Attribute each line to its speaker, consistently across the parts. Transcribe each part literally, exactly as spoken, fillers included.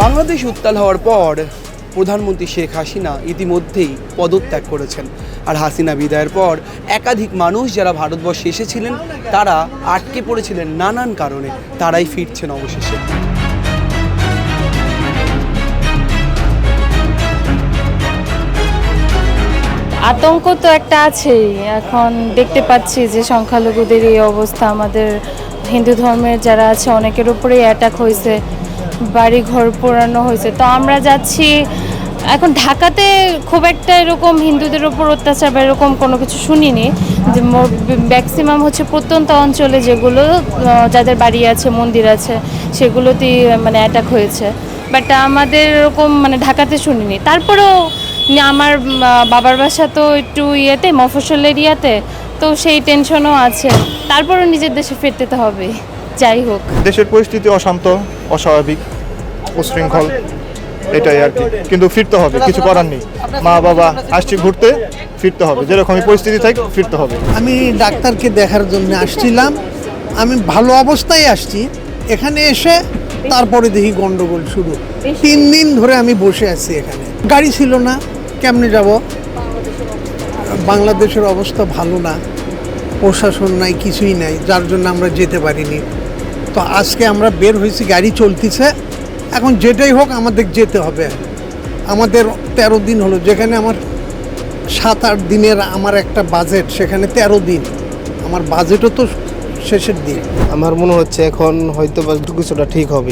Speaker 1: বাংলাদেশ উত্তাল হওয়ার পর প্রধানমন্ত্রী শেখ হাসিনা ইতিমধ্যেই পদত্যাগ করেছেন। আর হাসিনা বিদায়ের পর একাধিক মানুষ যারা ভারতবর্ষে এসেছিলেন তারা আটকে পড়েছিলেন নানান কারণে, তারাই ফিরছেন অবশেষে।
Speaker 2: আতঙ্ক তো একটা আছেই। এখন দেখতে পাচ্ছি যে সংখ্যালঘুদের এই অবস্থা, আমাদের হিন্দু ধর্মের যারা আছে অনেকের উপরেই অ্যাটাক হয়েছে, বাড়ি ঘর পোড়ানো হয়েছে। তো আমরা যাচ্ছি এখন ঢাকাতে, খুব একটা এরকম হিন্দুদের উপর অত্যাচার বা এরকম কোনো কিছু শুনিনি। যে ম্যাক্সিমাম হচ্ছে প্রত্যন্ত অঞ্চলে যেগুলো যাদের বাড়ি আছে, মন্দির আছে, সেগুলোতেই মানে অ্যাটাক হয়েছে। বাট আমাদের এরকম মানে ঢাকাতে শুনিনি। তারপরেও আমার বাবার বাসা তো একটু ইয়েতে, মফস্বল এরিয়াতে, তো সেই টেনশনও আছে। তারপরও নিজের দেশে ফিরতে তো হবে, যাই হোক।
Speaker 3: দেশের পরিস্থিতি অশান্ত, অস্বাভাবিক, উশৃঙ্খল, এটাই আর কি। কিন্তু ফিরতে হবে, কিছু করার নেই। মা বাবা আসছি ঘুরতে, ফিরতে হবে। যেরকমই পরিস্থিতি থাকে ফিরতে হবে।
Speaker 4: আমি ডাক্তারকে দেখার জন্য আসছিলাম, আমি ভালো অবস্থায় আসছি। এখানে এসে তারপরে দেখি গন্ডগোল শুরু। তিন দিন ধরে আমি বসে আছি এখানে, গাড়ি ছিল না, কেমনে যাব? বাংলাদেশের অবস্থা ভালো না, প্রশাসন নাই, কিছুই নাই, যার জন্য আমরা যেতে পারিনি। তো আজকে আমরা বের হয়েছি, গাড়ি চলতেছে। এখন যেটাই হোক আমাদের যেতে হবে। আমাদের তেরো দিন হলো, যেখানে আমার সাত আট দিনের আমার একটা বাজেট, সেখানে তেরো দিন আমার বাজেটও তো শেষের দিন।
Speaker 5: আমার মনে হচ্ছে এখন হয়তো বা কিছুটা ঠিক হবে,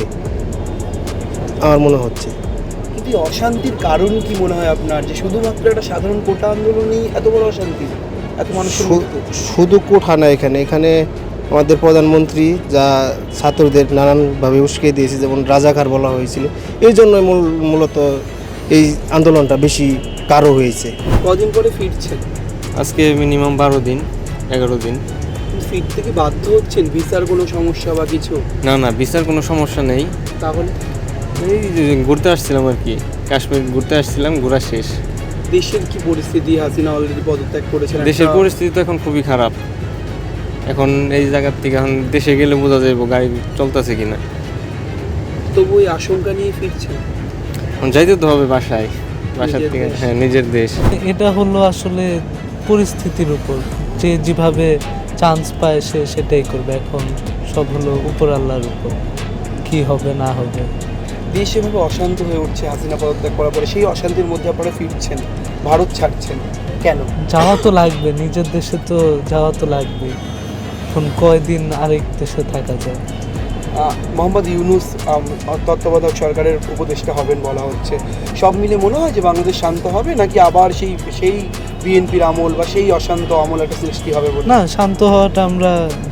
Speaker 5: আমার মনে হচ্ছে।
Speaker 1: কিন্তু এই অশান্তির কারণ কি মনে হয় আপনার, যে শুধুমাত্র একটা সাধারণ কোটা আন্দোলনই এত বড় অশান্তি, এত মানুষের মৃত্যু?
Speaker 5: শুধু কোঠা না, এখানে এখানে আমাদের প্রধানমন্ত্রী যা ছাত্রদের নানানভাবে উস্কে দিয়েছে, যেমন রাজাকার বলা হয়েছিল, এই জন্যই মূল মূলত এই আন্দোলনটা বেশি কারো হয়েছে।
Speaker 1: কদিন পরে ফিরছেন?
Speaker 6: আজকে মিনিমাম বারো দিন এগারো দিন।
Speaker 1: ফিরতে কি বাধ্য হচ্ছেন? ভিসার কোনো সমস্যা বা কিছু?
Speaker 6: না না, ভিসার কোনো সমস্যা নেই।
Speaker 1: তাহলে
Speaker 6: এই যে ঘুরতে আসছিলাম আর কি, কাশ্মীর ঘুরতে আসছিলাম, ঘোরা শেষ।
Speaker 1: দেশের কি পরিস্থিতি? হাসিনা অলরেডি পদত্যাগ করেছেন।
Speaker 6: দেশের পরিস্থিতি তো এখন খুবই খারাপ। এখন এই জায়গার থেকে এখন দেশে গেলে বোঝা যাবে গাড়ি চলতেছে কিনা।
Speaker 1: তবু এই আশঙ্কা নিয়ে ফিরছেন?
Speaker 6: এখন যাইতে তো হবে বাসায়, বাসার থেকে, হ্যাঁ নিজের দেশ।
Speaker 7: এটা হলো আসলে পরিস্থিতির উপর, যে যেভাবে চান্স পায় সে সেটাই করবে। এখন সব হলো উপর আল্লাহর উপর, কি হবে না হবে।
Speaker 1: দেশ এভাবে অশান্ত হয়ে উঠছে হাসিনা পদত্যাগ করার পরে, সেই অশান্তির মধ্যে আপনারা ফিরছেন, ভারত ছাড়ছেন কেন?
Speaker 7: যাওয়া তো লাগবে, নিজের দেশে তো যাওয়া তো লাগবে। এখন কয়দিন আরেক দেশে থাকা যায়?
Speaker 1: মোহাম্মদ ইউনূস তত্ত্বাবধায়ক সরকারের উপদেষ্টা হবেন বলা হচ্ছে। সব মিলে মনে হয় যে বাংলাদেশ শান্ত হবে, নাকি আবার সেই সেই বিএনপির আমল বা সেই অশান্ত আমল একটা সৃষ্টি হবে বলে?
Speaker 7: না, শান্ত হওয়াটা আমরা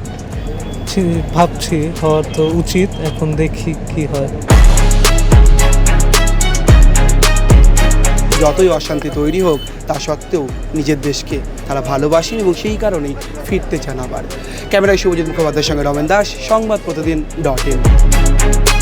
Speaker 7: ভাবছি, হওয়া তো উচিত। এখন দেখি কি হয়।
Speaker 1: যতই অশান্তি তৈরি হোক তা সত্ত্বেও নিজের দেশকে তারা ভালোবাসেন এবং সেই কারণেই ফিরতে চান আবার। ক্যামেরায় শুভজিৎ মুখোপাধ্যায়ের সঙ্গে রমেন দাস, সংবাদ প্রতিদিন ডট ইন।